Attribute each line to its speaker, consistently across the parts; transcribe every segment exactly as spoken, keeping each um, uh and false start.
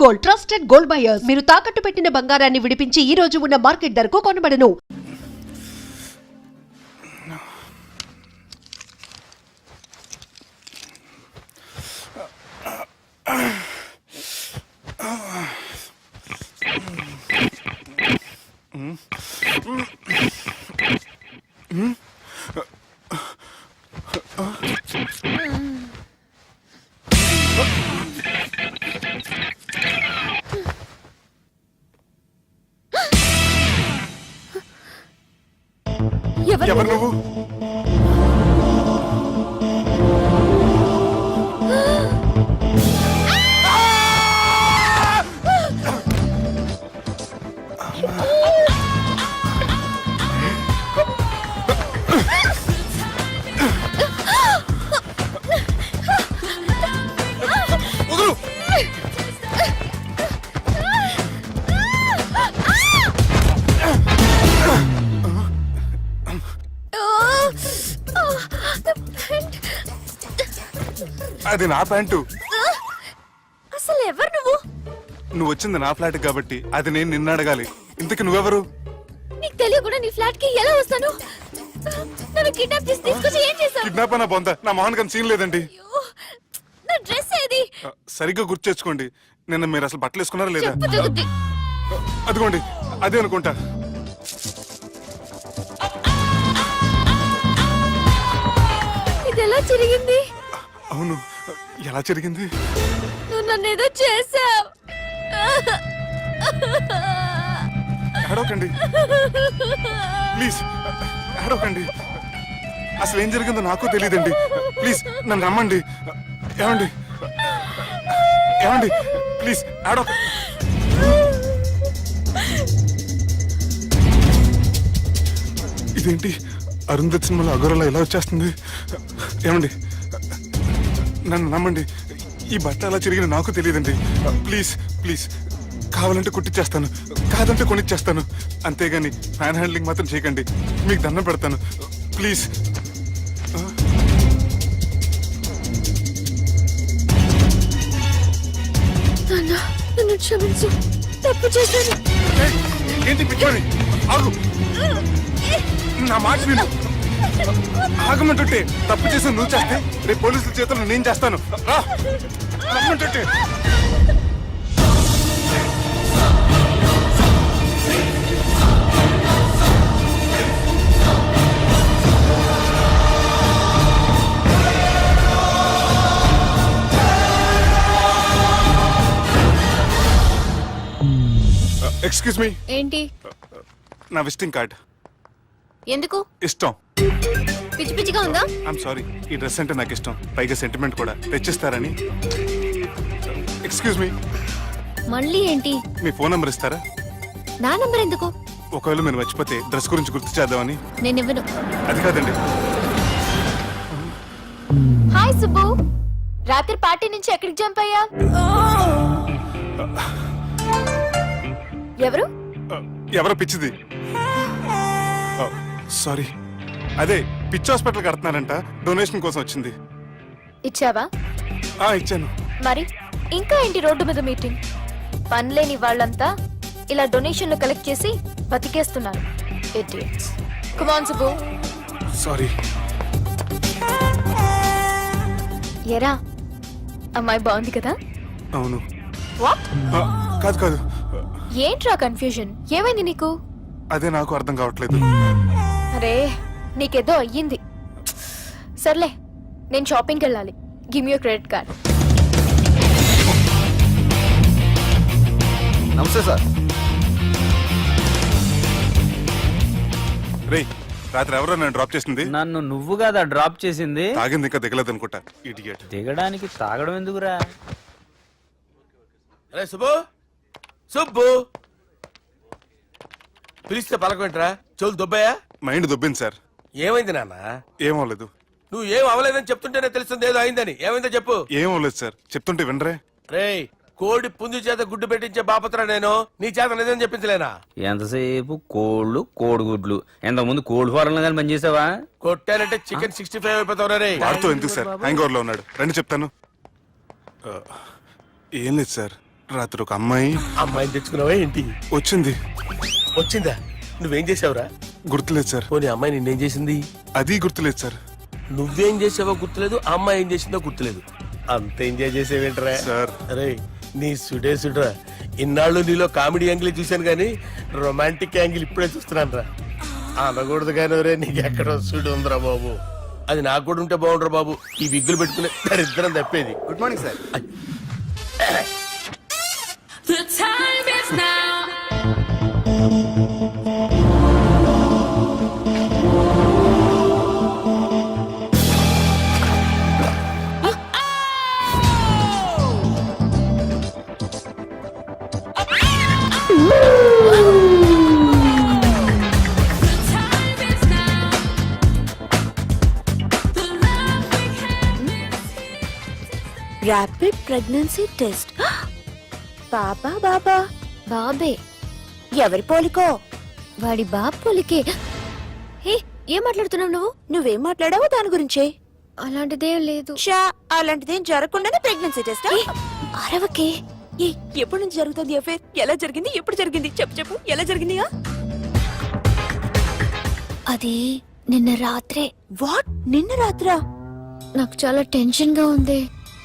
Speaker 1: Gold, trusted gold buyers. మీరు తాకట్టు పెట్టిన బంగారాన్ని విడిపించి ఈ రోజు ఉన్న మార్కెట్ ధరకు కొనబడను.
Speaker 2: ఎవరు నువ్వు? అది నా ప్యాంటు.
Speaker 3: అసలు ఎవరు నువ్వు?
Speaker 2: నువ్వు వచ్చింది నా ఫ్లాట్ కాబట్టి అది నేను నిన్ను అడగాలి. ఇంతకు నువ్వెవరు?
Speaker 3: నీకు తెలియకుండా నీ ఫ్లాట్ కి ఎలా వస్తాను? నన్ను కిడ్నాప్ చేసి తీసుకొచ్చి ఏం చేశావు?
Speaker 2: కిడ్నాప్ అన్న బొంద, నా మోహన్ కన్ సీన్ లేదండి.
Speaker 3: నా డ్రెస్ ఏది?
Speaker 2: సరిగ్గా గుర్తు తెచ్చుకోండి. నిన్న మీరు అసలు బట్టలు వేసుకున్నారా లేదా?
Speaker 3: చెప్పు జగతి.
Speaker 2: అదిగోండి అదే అనుకుంటా.
Speaker 3: ఇది ఎలా జరిగింది?
Speaker 2: అవును, ఎలా జరిగింది?
Speaker 3: నువ్వు నన్ను ఏదో చేసావు.
Speaker 2: అడవకండి ప్లీజ్, అడవకండి. అసలు ఏం జరిగిందో నాకు తెలియదండి. ప్లీజ్ నన్ను రమ్మండి. ఏమండి ఏమండి ప్లీజ్ అడవ. ఇదేంటి అరుంధతి సినిమాలో అగోరలా ఎలా వచ్చేస్తుంది? ఏమండి నన్ను నమ్మండి. ఈ బట్ట అలా చిరిగిన నాకు తెలియదండి. ప్లీజ్ ప్లీజ్, కావాలంటే కుట్టిచ్చేస్తాను, కాదంటే కొనిచ్చేస్తాను. అంతేగాని ఫ్యాన్ హ్యాండ్లింగ్ మాత్రం చేయకండి. మీకు దండం పెడతాను ప్లీజ్.
Speaker 3: నన్ను క్షమించు, తప్పు చేశాను.
Speaker 2: ఏంటి పిచ్చోని? ఆగు, నా మాట విను. ఆగమంటుంటే తప్పు చేసి నువ్వు చేస్తే రేపు పోలీసుల చేతుల్లో నేను చేస్తాను. రా రమ్మంటుంటే. Excuse me.
Speaker 3: ఏంటి?
Speaker 2: నా విజిటింగ్ కార్డ్.
Speaker 3: ఎందుకు?
Speaker 2: ఇష్టం.
Speaker 3: పిచ్చి పిచ్చిగా ఉందా?
Speaker 2: ఐఎమ్ సారీ, ఈ డ్రెస్ అంటే నాకు ఇష్టం, పైగా సెంటిమెంట్ కూడా. తెచ్చిస్తారని. Excuse me.
Speaker 3: మళ్ళీ ఏంటి?
Speaker 2: మీ ఫోన్ నంబర్ ఇస్తారా?
Speaker 3: నా నంబర్ ఎందుకు?
Speaker 2: ఒకవేళ మీరు మర్చిపోతే డ్రెస్ గురించి గుర్తు చేద్దామని.
Speaker 3: నేను ఇవ్వను.
Speaker 2: అది కాదండి.
Speaker 3: హాయ్ సుబ్బు, రాత్రి పార్టీ నుంచి ఎక్కడికి జంప్ అయ్యా? ఎవరు?
Speaker 2: ఎవరో పిచ్చిది. సారీ, అదే పిచ్చి హాస్పిటల్ కడుతున్నారంట, డొనేషన్ కోసం వచ్చింది.
Speaker 3: ఇచ్చావా?
Speaker 2: ఆ ఇచ్చాను.
Speaker 3: మరి ఇంకా ఏంటి రోడ్డు మీద మీటింగ్? పనిలేని వాళ్ళంతా ఇలా డొనేషన్లు కలెక్ట్ చేసి బతికేస్తున్నారు. Idiots. Come on Subbu.
Speaker 2: Sorry.
Speaker 3: ఎరా, అమ్మాయి బాగుంది కదా?
Speaker 2: అవును.
Speaker 3: వాట్?
Speaker 2: కాదు కాదు.
Speaker 3: ఏంట్రా కన్ఫ్యూజన్? ఏమైంది నీకు?
Speaker 2: అదే నాకు అర్థం కావట్లేదు.
Speaker 3: అరే, నీకేదో అయ్యింది. సర్లే, నేను షాపింగ్కి వెళ్ళాలి. Give me your credit card.
Speaker 4: నమస్తే సార్.
Speaker 2: రే, రాత్రి ఎవరో నన్ను డ్రాప్ చేసింది?
Speaker 5: నన్ను నువ్వు కదా డ్రాప్ చేసింది.
Speaker 2: తాగింది ఇంకా దిగలేదు అనుకుంటా. ఇడియట్.
Speaker 5: దిగడానికి తాగడం ఎందుకురా?
Speaker 4: అరే సుబ్బు, సుబ్బు పిలిస్తే పలకమంటరా? చెవులు దొబ్బయా?
Speaker 2: Mind దొబ్బింది sir.
Speaker 4: ఏమైంది నాన్న?
Speaker 2: ఏమవలేదు.
Speaker 4: నువ్వు ఏం అవలేదని చెప్తుంటేనే తెలుస్తుంది ఏదో అయిందని. ఏమైందో చెప్పు.
Speaker 2: ఏమవలేదు సార్, చెప్తుంటే వినరే.
Speaker 4: రేయ్, కోడి పుంజు చేత గుడ్డు పెట్టించే బాపత్ర నేను. నీ చేత నిజం చెప్పించలేనా?
Speaker 5: ఎంతసేపు కోళ్ళు కోడిగుడ్లు. ఎంతకుముందు కోడి ఫారంలో కానీ పనిచేసావా?
Speaker 4: కొట్టానంటే చికెన్ సిక్స్టీ ఫైవ్ అయిపోతావు రే.
Speaker 2: వాడుతూ ఎందుకు సార్, హ్యాంగ్ ఓవర్ లో ఉన్నాడు. రండి చెప్తాను. ఏం లేదు సార్, రాత్రి ఒక అమ్మాయి
Speaker 4: అమ్మాయిని తెచ్చుకున్నావా ఏంటి?
Speaker 2: వచ్చింది.
Speaker 4: వచ్చిందా? నువ్వేం చేసావురా?
Speaker 2: గుర్తులేదు సార్.
Speaker 4: పోనీ అమ్మాయి నిన్నేం చేసింది?
Speaker 2: అది గుర్తులేదు సార్.
Speaker 4: నువ్వేం చేసావో గుర్తులేదు, ఆ అమ్మాయి ఏం చేసిందో గుర్తులేదు. అంత ఎంజాయ్ చేసేవేంట్రా
Speaker 2: సార్?
Speaker 4: అరే నీ సుడే సుడ్రా. ఇన్నాళ్ళు నీలో కామెడీ యాంగిల్ చూశాను కానీ రొమాంటిక్ యాంగిల్ ఇప్పుడే చూస్తున్నాను రా. అనకూడదు కానీ రే నీకు ఎక్కడ సుడు ఉందిరా బాబు. అది నాకు కూడా ఉంటే బాగుండ్రా బాబు. ఈ విగ్గులు పెట్టుకునే దరిద్రం తప్పేది.
Speaker 6: Good morning sir.
Speaker 7: The time is now.
Speaker 8: Rapid pregnancy test. బాబా బాబా
Speaker 3: బాబే
Speaker 8: ఎవరి పోలికో?
Speaker 3: వాడి బాబ్ పోలికే. హే ఏం మాట్లాడుతున్నావు నువ్వు?
Speaker 8: నువ్వేం మాట్లాడావో దాని గురించే.
Speaker 3: అలాంటిదేం లేదు.
Speaker 8: షా అలాంటిదేం జరగకుండానే ప్రెగ్నెన్సీ టెస్ట్.
Speaker 3: అరవకే.
Speaker 8: ఏ, ఎప్పటి నుంచి జరుగుతుంది అఫేర్? ఎలా జరిగింది? ఎప్పుడు జరిగింది? చెప్పు చెప్పు ఎలా జరిగింది?
Speaker 3: అది నిన్న రాత్రే.
Speaker 8: వాట్? నిన్న రాత్రా?
Speaker 3: నాకు చాలా టెన్షన్ గా ఉంది.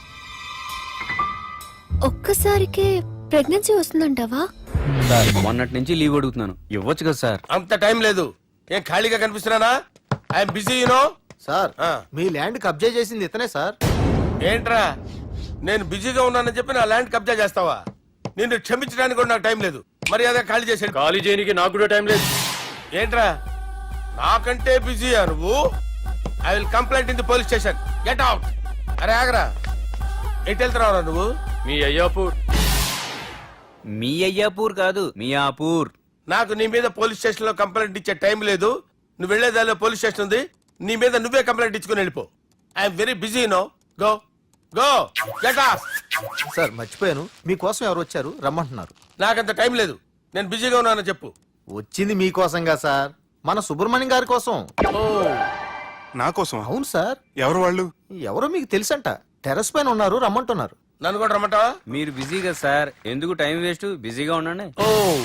Speaker 3: ఒక్కసారికే ప్రెగ్నెన్సీ వస్తుందంటావా?
Speaker 5: సార్ మొన్నటి నుంచి లీవ్ అడుగుతున్నాను, ఇవ్వచ్చు కదా సార్?
Speaker 4: అంత టైం లేదు. ఏం ఖాళీగా కనిపిస్తున్నానా? I'm busy you know.
Speaker 6: సార్
Speaker 4: ఆ.
Speaker 6: మీ ల్యాండ్ కబ్జా చేసింది ఇతనే సార్.
Speaker 4: ఏంట్రా నేను బిజీగా ఉన్నానని చెప్పి నా ల్యాండ్ కబ్జా చేస్తావా? నిన్ను క్షమించడానికి కూడా నాకు టైం లేదు. మరి అదే ఖాళీ చేసాడు.
Speaker 5: ఖాళీ చేయడానికి నాకు కూడా టైం లేదు.
Speaker 4: ఏంట్రా నాకంటే బిజీయా నువ్వు? I will complaint in the police station. Get out. అరే ఆగరా, ఎటు వెళ్తున్నావురా నువ్వు?
Speaker 5: మీ అయ్యాపూర్. మీ అయ్యాపూర్ కాదు, మియాపూర్.
Speaker 4: నాకు నీ మీద పోలీస్ స్టేషన్ లో కంప్లైంట్ ఇచ్చే టైం లేదు. నువ్వు వెళ్లేదాలో పోలీస్ స్టేషన్ ఉంది. నీ మీద నువ్వే కంప్లైంట్ ఇచ్చుకుని వెళ్ళిపో. I'm very busy no. Go go get off.
Speaker 6: Sir మర్చిపోయాను, మీకోసం ఎవరు వచ్చారు రమ్మంటున్నారు.
Speaker 4: నాకంత టైం లేదు. నేను బిజీగా ఉన్నానని చెప్పు.
Speaker 6: వచ్చింది మీకోసంగా సార్, మన సుబ్రహ్మణ్యం గారి కోసం.
Speaker 4: ఓ
Speaker 2: నా కోసం?
Speaker 6: అవును సార్.
Speaker 2: ఎవరు వాళ్ళు?
Speaker 6: ఎవరో మీకు తెలుసంట, టెర్రస్ పైన ఉన్నారు, రమ్మంటున్నారు.
Speaker 4: నన్ను కూడా రమ్మంటావా?
Speaker 5: మీరు బిజీగా సార్, ఎందుకు టైం వేస్ట్? బిజీగా ఉండండి.
Speaker 4: Oh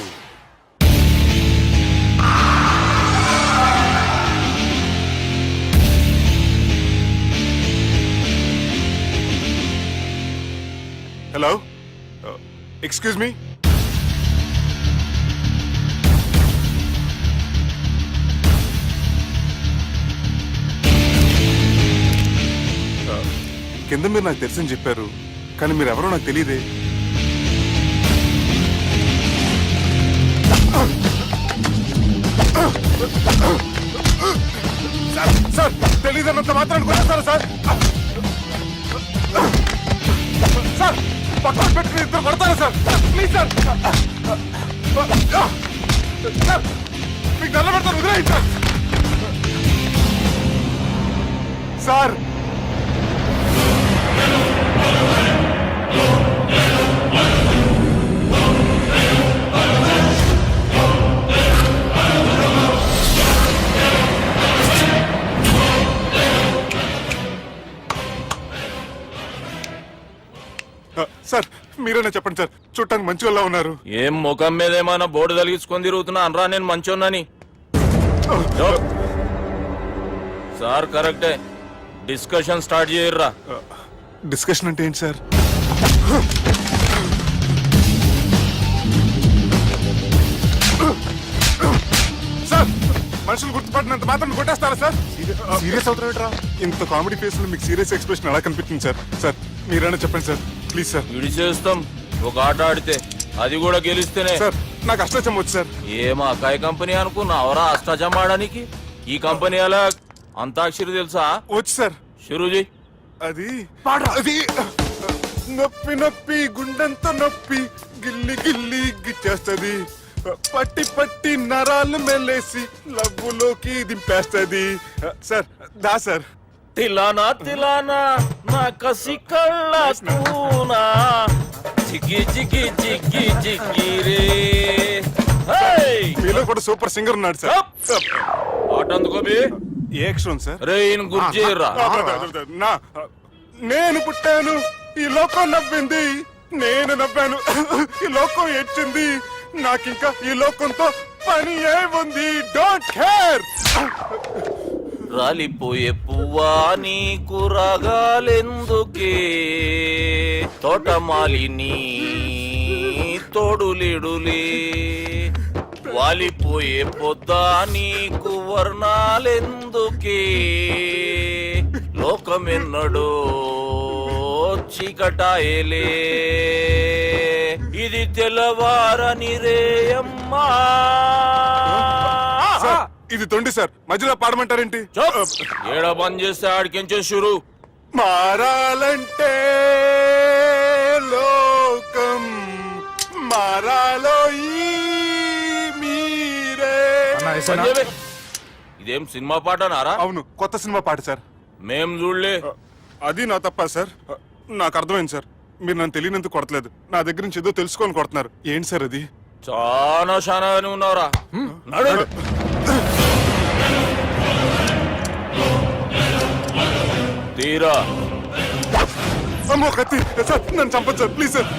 Speaker 2: hello, excuse me. కింద మీరు నాకు తెలుసని చెప్పారు, కానీ మీరు ఎవరో నాకు తెలియదే. సార్ తెలియదన్నంత మాత్రాన్ని కొట్టేస్తారా సార్? సార్ పక్కన పెట్టి ఇద్దరు కొడతారా సార్? Please sir. సార్ మీకు నల్ల పెడతాను, వదిలేయండి సార్. సార్ సార్ మీరేనా చెప్పండి సార్, చూడటానికి మంచి వాళ్ళ ఉన్నారు.
Speaker 9: ఏం ముఖం మీద ఏమైనా బోర్డు తలిగించుకొని తిరుగుతున్నా అనరా నేను మంచోన్నాని? సార్ కరెక్టే, డిస్కషన్ స్టార్ట్ చేయర్రా.
Speaker 2: డిస్కషన్ అంటే ఏంటి సార్? సార్ మనుషులు గుర్తుపడినంత మాత్రం కొట్టేస్తారా సార్? సీరియస్ అవుతారా? ఇంత కామెడీ ఫేస్ లో మీకు సీరియస్ ఎక్స్ప్రెషన్ ఎలా కనిపిస్తుంది సార్? సార్ మీరైనా చెప్పండి సార్, ప్లీజ్ సార్.
Speaker 9: విడి చేస్తాం ఒక ఆట ఆడితే, అది కూడా గెలిస్తేనే.
Speaker 2: సార్ నాకు అష్టాచం వచ్చు సార్.
Speaker 9: ఏం అకాయ కంపెనీ అనుకున్నా అవరా అష్టాచం ఆడడానికి? ఈ కంపెనీ అలా అంతాక్షరి తెలుసా?
Speaker 2: వచ్చు సార్.
Speaker 9: షురూజీ.
Speaker 2: అది అది నొప్పి నొప్పి గుండెంత నొప్పి గిల్లి గిల్లి గిచ్చేస్తది, పట్టి పట్టి నరాలు మెల్లేసి లవ్వులోకి దింపేస్తది. సార్ దా సార్.
Speaker 9: తిలానా తిలానా నా కసి కళ్ళ కూనా చిక్కి చిక్కి చిక్కి చిక్కి రే.
Speaker 2: మీలో కూడా సూపర్ సింగర్ ఉన్నాడు సార్.
Speaker 9: ఆట అందుకోబి
Speaker 2: ఏ అక్షరం సార్?
Speaker 9: రే ఈయన గుర్తు చేయరా.
Speaker 2: నా నేను పుట్టాను, ఈ లోకం నవ్వింది, నేను నవ్వాను. ఈ లోకం ఏడ్చింది. నాకింకా ఈ లోకంతో పని ఏముంది? Don't care.
Speaker 9: రాలిపోయే పువ్వా నీకు రాగాలెందుకే, తోటమాలిని తోడులిడులే, వాలిపోయే పొద్దా నీకు వర్ణాలెందుకే, లోకమెన్నడో చీకటాయలే, ఇది తెల్లవారని రేయమ్మా.
Speaker 2: సార్, ఇది తొండి సార్, మధ్యలో పాడమంటారేంటి?
Speaker 9: ఏడ బంద్ చేస్తే ఆడికించే షురు.
Speaker 2: మారాలంటే లోకం మారాలో ఈ మీరే.
Speaker 9: సంజయ్, ఇదేం సినిమా పాట నారా?
Speaker 2: అవును, కొత్త సినిమా పాట సార్.
Speaker 9: మేం చూడలే.
Speaker 2: అది నా తప్ప సార్. నాకు అర్థమైంది సార్. మీరు నన్ను తెలియనందుకు కొడతలేదు, నా దగ్గర నుంచి ఏదో తెలుసుకొని కొడుతున్నారు. ఏంటి సార్ అది?
Speaker 9: చాలా శానాగానే ఉన్నావురా. నడు. తీరా.
Speaker 2: అమ్మో కత్తి సార్, నన్ను చంపదు సార్, ప్లీజ్ సార్.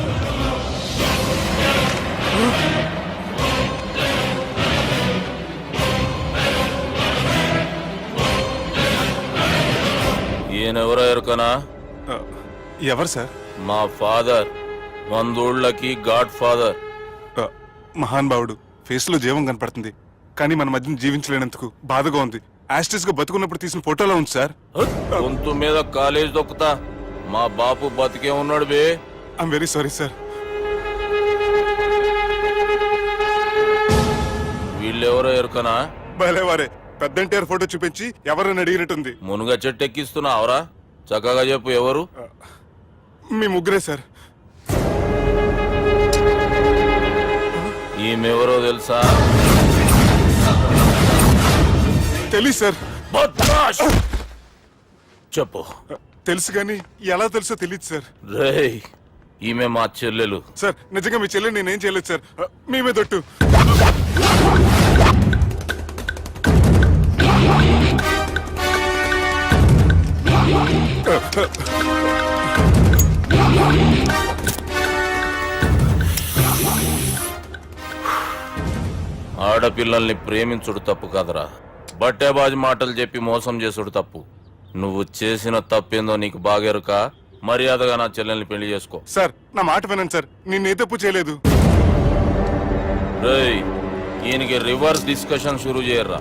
Speaker 9: ఈయనెవరో ఎరుకనా?
Speaker 2: ఎవరు సార్?
Speaker 9: మా ఫాదర్, వందోళ్ళకి గాడ్ ఫాదర్.
Speaker 2: మహాన్ భావుడు. ఫేస్ లో జీవం కనపడుతుంది, కానీ మన మధ్యన జీవించలేనందుకు బాధగా ఉంది. యాస్టిస్ గా బతుకున్నప్పుడు తీసిన ఫోటోలో ఉంది సార్.
Speaker 9: గొంతు మీద కాలేజ్ దొక్కుతా. మా బాపు బతికే ఉన్నాడు బే.
Speaker 2: I'm very sorry sir.
Speaker 9: వీళ్ళెవరో ఎరుకనా?
Speaker 2: భలేవారే, పెద్ద ఎన్టీఆర్ ఫోటో చూపించి ఎవరని అడిగినట్టుంది.
Speaker 9: మునుగ చెట్టు ఎక్కిస్తున్నావురా? చక్కగా చెప్పు, ఎవరు?
Speaker 2: మీ ముగ్గురే సార్.
Speaker 9: ఈమెవరో తెలుసా?
Speaker 2: తెలీదు సార్.
Speaker 9: బద్మాష్! చెప్పు.
Speaker 2: తెలుసు కానీ ఎలా తెలుసో తెలియదు సార్.
Speaker 9: రేయ్, ఈమె మా చెల్లెలు.
Speaker 2: సార్, నిజంగా మీ చెల్లెని నేనేం చేయలేదు సార్. మీ మీద ఒట్టు.
Speaker 9: ఆడపిల్లల్ని ప్రేమించుడు తప్పు కాదురా, బట్టేబాజు మాటలు చెప్పి మోసం చేసుడు తప్పు. నువ్వు చేసిన తప్పేందో నీకు బాగెరుక. మర్యాదగా నా చెల్లెల్ని పెళ్లి చేసుకో.
Speaker 2: సార్, నా మాట వినండి సార్, నేను ఏ తప్పు చేయలేదు.
Speaker 9: రేయ్, ఈయనకి రివర్స్ డిస్కషన్ షురూ చేయర్రా.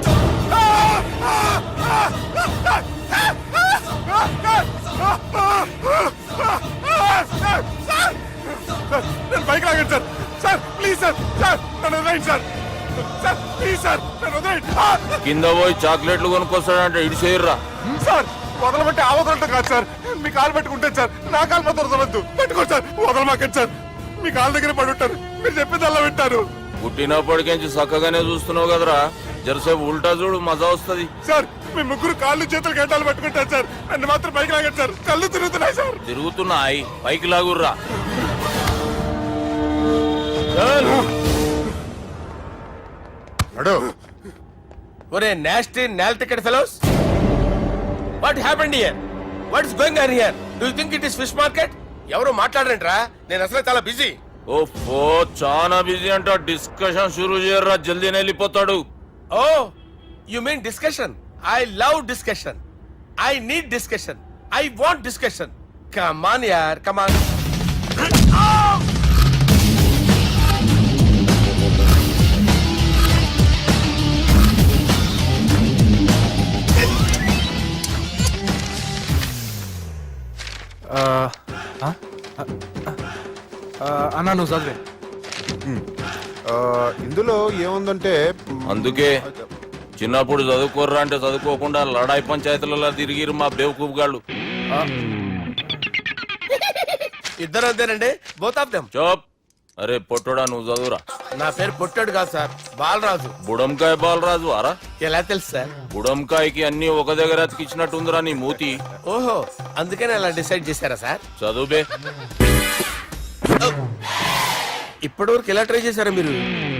Speaker 2: నేను బైక్ లాగండి sir. Sir please sir. Sir నన్ను వదిలేయండి సార్. సార్ ప్లీజ్ సార్, నన్ను వదిలేయండి.
Speaker 9: కింద పోయి చాక్లెట్లు కొనుక్కొస్తాడంటే ఇటు చేయర్రా.
Speaker 2: సార్ వదలమంటే ఆ వదలటం కాదు సార్. మీ కాలు పెట్టుకుంటాను సార్, నా కాలు మాత్రం వదలవద్దు. పెట్టుకోండి సార్, వదలమాకండి సార్. మీ కాలు దగ్గర పడి ఉంటారు, మీరు చెప్పేది అలా వింటారు.
Speaker 9: పుట్టినప్పటికెంచి చక్కగానే చూస్తున్నావు కదరా, జరసేపు ఉల్టా చూడు, మజా వస్తుంది.
Speaker 2: సార్ మీ ముగ్గురు కాళ్ళు చేతులు గంటలు పట్టుకుంటారు సార్, నన్ను మాత్రం బైక్ లాగండి సార్. కళ్ళు తిరుగుతున్నాయి సార్.
Speaker 9: తిరుగుతున్నాయి, పైకి లాగుర్రా.
Speaker 4: ఒరే nasty null ticket fellows, what happened here? What is going on here? Do you think it is fish market? ఎవరు మాట్లాడరంట్రా, నేను అసలే చాలా బిజీ.
Speaker 9: ఓఫో, చాలా బిజీ అంట. డిస్కషన్ షురూ చేయర్రా, జల్దీనే వెళ్ళిపోతాడు.
Speaker 4: Oh you mean discussion? I love discussion. I need discussion. I want discussion. Come on యార్, కమ్ ఆన్.
Speaker 6: అన్నా నువ్వు చదివే. ఇందులో ఏముందంటే
Speaker 9: అందుకే చిన్నప్పుడు చదువుకోర్రా అంటే చదువుకోకుండా లడాయి పంచాయతీలలో తిరిగిరు మా బేవకూఫ్ గాళ్ళు.
Speaker 4: ఇద్దరు అంతేనండి, బోత్ ఆఫ్ దెమ్.
Speaker 9: చోప్. అరే పొట్టోడా, నువ్వు చదువురా.
Speaker 4: నా పేరు పొట్టాడు కాదు సార్, బాలరాజు.
Speaker 9: బుడంకాయ బాలరాజు అరా?
Speaker 4: ఎలా తెలుసు సార్?
Speaker 9: బుడంకాయకి అన్ని ఒక దగ్గర అతికిచ్చినట్టుందిరా నీ మూతి.
Speaker 4: ఓహో, అందుకని అలా డిసైడ్ చేశారా సార్?
Speaker 9: చదువుబే.
Speaker 4: ఇప్పటి వరకు ఎలా ట్రై చేశారా మీరు?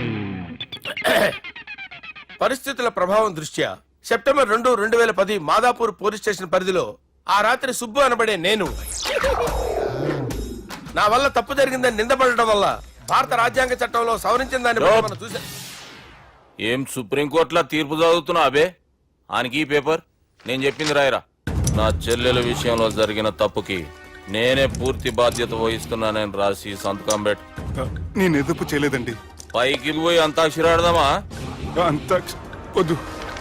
Speaker 4: పరిస్థితుల ప్రభావం దృష్ట్యా సెప్టెంబర్ రెండు రెండు వేల పది మాదాపూర్ పోలీస్ స్టేషన్ పరిధిలో ఆ రాత్రి సుబ్బు అనబడే నేను నా వల్ల తప్పు జరిగిందని నిందపడటం వల్ల భారత రాజ్యాంగ చట్టంలో సవరించిన దాన్ని బట్టి మనం చూసా
Speaker 9: ఏం సుప్రీంకోర్టులో తీర్పు చదువుతున్నా అబే ఆనికి ఈ పేపర్ నేను చెప్పింది రాయరా. నా చెల్లెల విషయంలో జరిగిన తప్పుకి నేనే పూర్తి బాధ్యత వహిస్తున్నానని రాసి సంతకం పెట్టు.
Speaker 2: నేను ఎదుపు చేయలేదండి.
Speaker 9: పైకి పోయి అంతాక్షరి ఆడదామా?
Speaker 2: అంత వద్దు.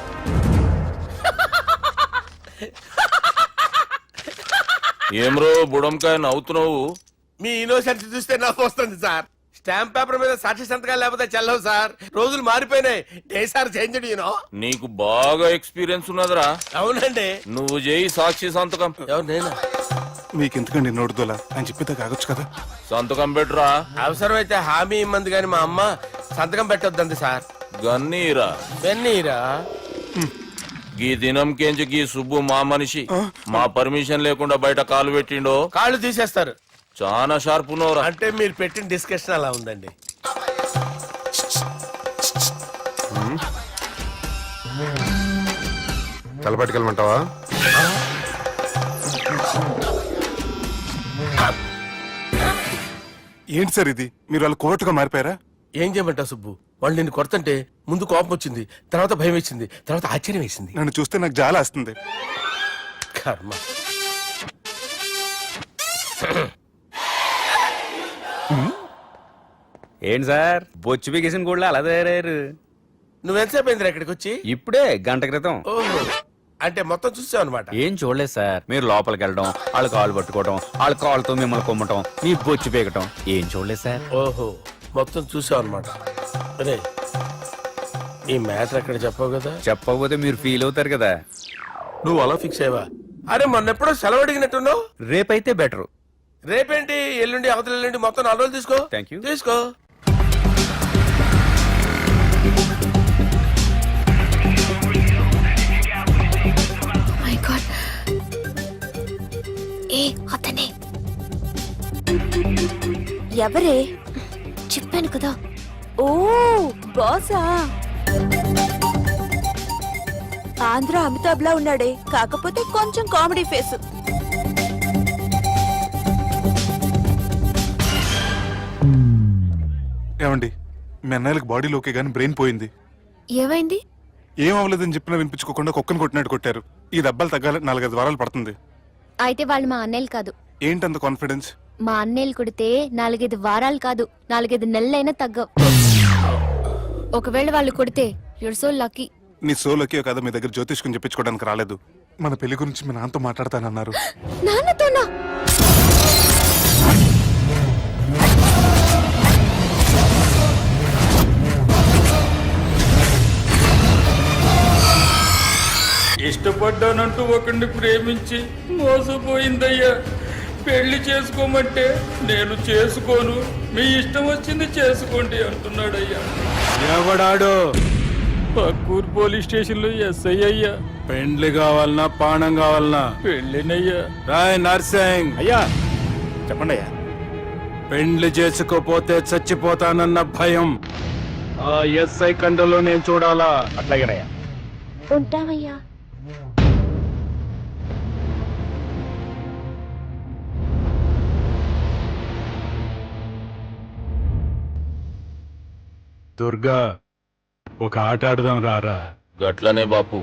Speaker 9: ఏం రో బుడంకాయ నవ్వుతున్నావు?
Speaker 4: మీ ఇన్నోసెన్స్ చూస్తే నాకు వస్తుంది సార్. స్టాంప్ పేపర్ మీద సాక్షి సంతకాలు లేకపోతే చెల్లవు సార్. రోజులు మారిపోయినాయి. Day sir change you know.
Speaker 9: నీకు బాగా ఎక్స్పీరియన్స్ ఉన్నదిరా.
Speaker 4: అవునండి.
Speaker 9: నువ్వు చేయి సాక్షి సంతకం.
Speaker 4: ఎవరు నేనా?
Speaker 2: మీకు ఎందుకండి నోడుదోలా ఆయన చెప్పేదా కాగొచ్చు కదా.
Speaker 9: సంతకం పెట్టురా.
Speaker 4: అవసరమైతే హామీ ఇమ్మంది కానీ మా అమ్మ సంతకం పెట్టొద్దండి సార్.
Speaker 9: గన్నీరా
Speaker 4: వెన్నీరా
Speaker 9: గీ దినం కేంచి గీ సుబ్బు మా మనిషి మా పర్మిషన్ లేకుండా బయట కాలు పెట్టిండో
Speaker 4: కాళ్ళు తీసేస్తారు.
Speaker 9: చాలా షార్ప్ ఉన్నవరా.
Speaker 4: అంటే మీరు పెట్టిన డిస్కషన్ అలా ఉందండి.
Speaker 6: తలపట్టుకెళ్ళమంటావా?
Speaker 2: ఏంటి సార్ ఇది? మీరు వాళ్ళ కోర్టుగా మారిపోయారా?
Speaker 4: ఏం చేయమంటావు సుబ్బు? వాళ్ళు నిన్ను కొడుతుంటే ముందు కోపం వచ్చింది, తర్వాత భయం వేసింది, తర్వాత ఆశ్చర్యం వేసింది.
Speaker 2: నన్ను చూస్తే నాకు జాల వస్తుంది.
Speaker 4: కర్మ.
Speaker 5: ఏంటి సార్ బొచ్చు బిగేసిన కూడా అలా తయారయ్యారు?
Speaker 4: నువ్వెంతసేపు అయిందిరా ఇక్కడికి వచ్చి?
Speaker 5: ఇప్పుడే గంట క్రితం.
Speaker 4: ఓహో, అంటే మొత్తం చూసావు అనమాట.
Speaker 5: ఏం చూడలేదు సార్. మీరు లోపలికి వెళ్ళడం, వాళ్ళ కాళ్ళు పట్టుకోవడం, వాళ్ళ కాళ్ళతో మిమ్మల్ని కొమ్మటం, మీ బొచ్చు పీకటం ఏం చూడలేదు సార్.
Speaker 4: ఓహో, మొత్తం చూసావు అనమాట. అరే ఈ మ్యాటర్ ఎక్కడ చెప్పావు కదా.
Speaker 5: చెప్పకపోతే మీరు ఫీల్ అవుతారు కదా.
Speaker 4: నువ్వు అలా ఫిక్స్ అయ్యవా? అరే మొన్నెప్పుడో సెలవు అడిగినట్టున్నావు.
Speaker 5: రేపైతే బెటర్.
Speaker 4: రేపేంటి, ఎల్లుండి, అవతల ఎల్లుండి, మొత్తం నాలుగు రోజులు తీసుకో.
Speaker 5: Thank you.
Speaker 4: తీసుకో.
Speaker 3: మై గాడ్, ఏ అతనే
Speaker 8: ఎవరే?
Speaker 3: చెప్పాను కదా.
Speaker 8: ఓ బాసా. ఆంధ్ర అమితాబ్ లా ఉన్నాడే, కాకపోతే కొంచెం కామెడీ ఫేస్.
Speaker 2: ఏమండి మీ అన్నయ్యలకు బాడీలో ఓకే కానీ బ్రెయిన్ పోయింది.
Speaker 3: ఏమైంది?
Speaker 2: ఏం అవ్వలేదని చెప్పినా వినిపించుకోకుండా కుక్కను కొట్టినట్టు కొట్టారు. ఈ దెబ్బలు తగ్గాలి నాలుగైదు వారాలు పడుతుంది.
Speaker 3: అయితే వాళ్ళు మా అన్నయ్యలు కాదు.
Speaker 2: ఏంటంత కాన్ఫిడెన్స్?
Speaker 3: మా అన్నయ్యలు కొడితే నాలుగైదు వారాలు కాదు, నాలుగైదు నెలలైనా తగ్గవు. ఒకవేళ వాళ్ళు కొడితే యూర్ సో లక్కీ.
Speaker 2: నీ సోలోకి కదా మీ దగ్గర జ్యోతిష్కుని చెప్పించుకోవడానికి రాలేదు. మన పెళ్లి గురించి మీ నాన్నతో మాట్లాడతానన్నారు.
Speaker 3: నాన్నతోనా?
Speaker 10: ఇష్టపడ్డానంటూ ఒకరిని ప్రేమించి మోసపోయిందయ్యా. పెళ్లి చేసుకోమంటే నేను చేసుకోను, మీ ఇష్టం వచ్చింది చేసుకోండి అంటున్నాడయ్యా.
Speaker 11: ఎవడాడు?
Speaker 10: పక్కూరు పోలీస్ స్టేషన్ లో ఎస్ఐ అయ్యా.
Speaker 11: పెండ్లి కావాలనా పానం కావాలనా?
Speaker 10: పెళ్ళినయ్యా.
Speaker 11: రాయ్ నర్సింగ్.
Speaker 2: అయ్యా చెప్పండి అయ్యా.
Speaker 11: పెండ్లి చేసుకోపోతే చచ్చిపోతానన్న భయం ఆ ఎస్ఐ కండలో నేను చూడాలా?
Speaker 2: అట్లాగేనయ్యా.
Speaker 3: ఉంటావయ్యా.
Speaker 11: దుర్గా, ఒక ఆట ఆడదాం రారా?
Speaker 9: గట్లనే బాపు.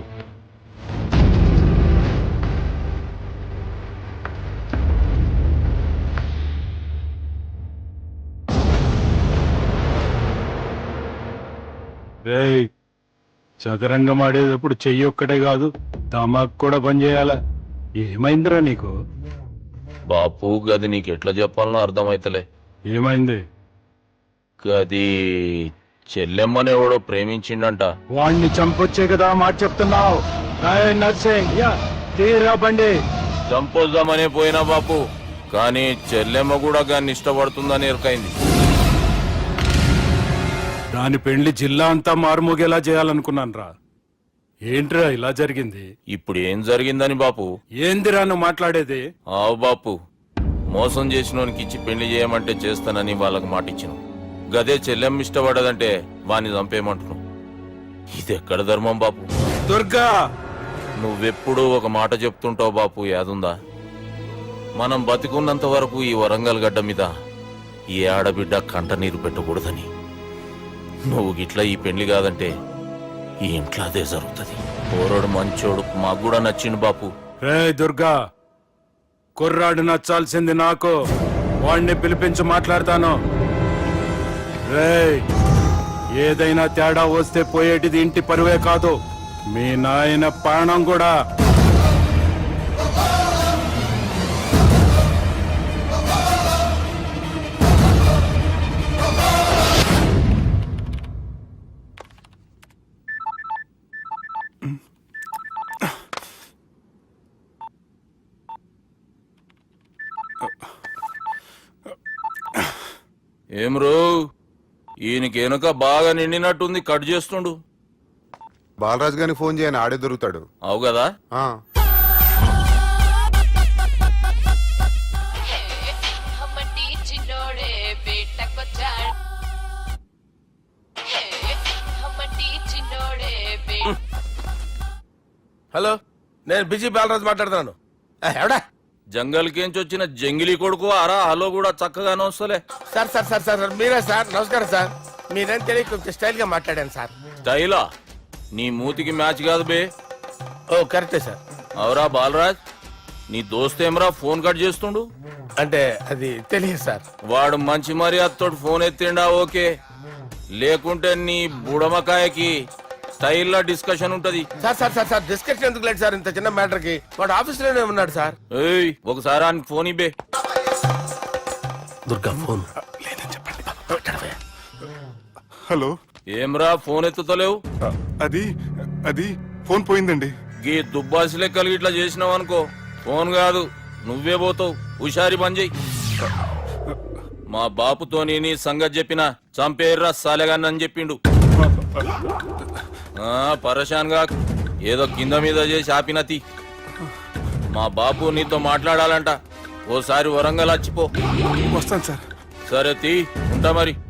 Speaker 11: రేయ్, చదరంగం ఆడేటప్పుడు చెయ్యి ఒక్కటే కాదు దమాక్ కూడా పనిచేయాల. ఏమైందిరా నీకు?
Speaker 9: బాపు గది నీకెట్లా చెప్పాలనో అర్థమైతలే.
Speaker 11: ఏమైంది?
Speaker 9: గది చెల్లెమ్మని ఎవడో ప్రేమించిండంట.
Speaker 11: వాణ్ణి చంపొచ్చే కదా మాట చెప్తున్నావు? రాయ్ నర్సింగ్, యా తీరా బండి.
Speaker 9: చంపొద్దామనే పోయినా బాపు, కానీ చెల్లెమ్మ కూడా గాన్ని ఇష్టపడుతుందని ఎరకైంది.
Speaker 11: దాని పెళ్లి జిల్లా అంతా మారుమోగేలా చేయాలనుకున్నాను రా. ఏంట్రా ఇలా జరిగింది?
Speaker 9: ఇప్పుడు ఏం జరిగిందని బాపు?
Speaker 11: ఏందిరా నువ్వు మాట్లాడేది?
Speaker 9: ఆవు బాపు, మోసం చేసినోనికి ఇచ్చి పెళ్లి చేయమంటే చేస్తానని వాళ్ళకి మాట ఇచ్చిన. గదే చెల్లెమ్మ ఇష్టపడదంటే వాణ్ణి చంపేయమంటున్నావు. ఇది ఎక్కడ ధర్మం బాపు?
Speaker 11: దుర్గా,
Speaker 9: నువ్వెప్పుడు ఒక మాట చెప్తుంటావు బాపు, యాదుందా? మనం బతికున్నంత వరకు ఈ వరంగల్ గడ్డ మీద ఈ ఆడబిడ్డ కంట నీరు పెట్టకూడదని. నువ్వు గిట్లా ఈ పెళ్లి కాదంటే ఈ ఇంట్లో అదే జరుగుతుంది. పోరోడు మంచోడు, మాకు కూడా నచ్చిండు బాపు.
Speaker 11: రే దుర్గా, కుర్రాడు నచ్చాల్సింది నాకు. వాణ్ణి పిలిపించి మాట్లాడతాను. రే, ఏదైనా తేడా వస్తే పోయేటిది ఇంటి పరువే కాదు, మీ నాయన ప్రాణం కూడా.
Speaker 9: ఏం రో, ఈయనకి వెనుక బాగా నిండినట్టుంది, కట్ చేస్తుండు.
Speaker 6: బాలరాజు గారిని ఫోన్ చేయని ఆడే దొరుకుతాడు.
Speaker 9: అవు కదా.
Speaker 6: ఆ.
Speaker 4: హలో, నేను బిజీ బాలరాజు మాట్లాడుతున్నాను. ఏ, ఎవడా?
Speaker 9: జంగల్కేంచి వచ్చిన జంగిలీ కొడుకు అరా. హలో కూడా చక్కగానే వస్తలే.
Speaker 4: Sir sir sir sir sir, మీరే సార్? నమస్కారం సార్. మీరేం తెలియక కొంచెం స్టైల్ గా మాట్లాడాను సార్.
Speaker 9: స్టైలా? నీ మూతికి మ్యాచ్ కాదు బే.
Speaker 4: ఓ కరెక్టే సార్.
Speaker 9: అవరా బాలరాజ్, నీ దోస్త్ ఏమరా ఫోన్ కట్ చేస్తుండు?
Speaker 4: అంటే అది తెలియదు సార్.
Speaker 9: వాడు మంచి మర్యాదతో ఫోన్ ఎత్తిండా ఓకే, లేకుంటే నీ బుడమకాయకి స్టైల్లో డిస్కషన్ ఉంటది.
Speaker 4: Sir sir sir sir discussion ఎందుకు లేదు సార్? ఇంత చిన్న మ్యాటర్ కి వాడు ఆఫీస్ లోనే ఉన్నాడు సార్.
Speaker 9: ఏయ్, ఒకసారి ఆయనకి ఫోన్ ఇబ్బే.
Speaker 4: దుర్గా ఫోన్.
Speaker 2: హలో.
Speaker 9: ఏమ్రా ఫోన్ ఎత్తుతలేవు?
Speaker 2: అది అది ఫోన్ పోయిందండి.
Speaker 9: గీ దుబ్బాసి లెక్కలు ఇట్లా చేసినావు అనుకో, ఫోన్ కాదు నువ్వే పోతావు. హుషారి పని చెయ్యి. మా బాపుతో నీ సంగతి చెప్పిన చంపేర్రా సాలెగాన్ని అని చెప్పిండు. ఆ, పరేషాన్ గా ఏదో కింద మీద చేసి ఆపినతి. మా బాపు నీతో మాట్లాడాలంట. ఓసారి వరంగల్ వచ్చిపో.
Speaker 2: వస్తాను సార్.
Speaker 9: సరే తీ, ఉంటా మరి.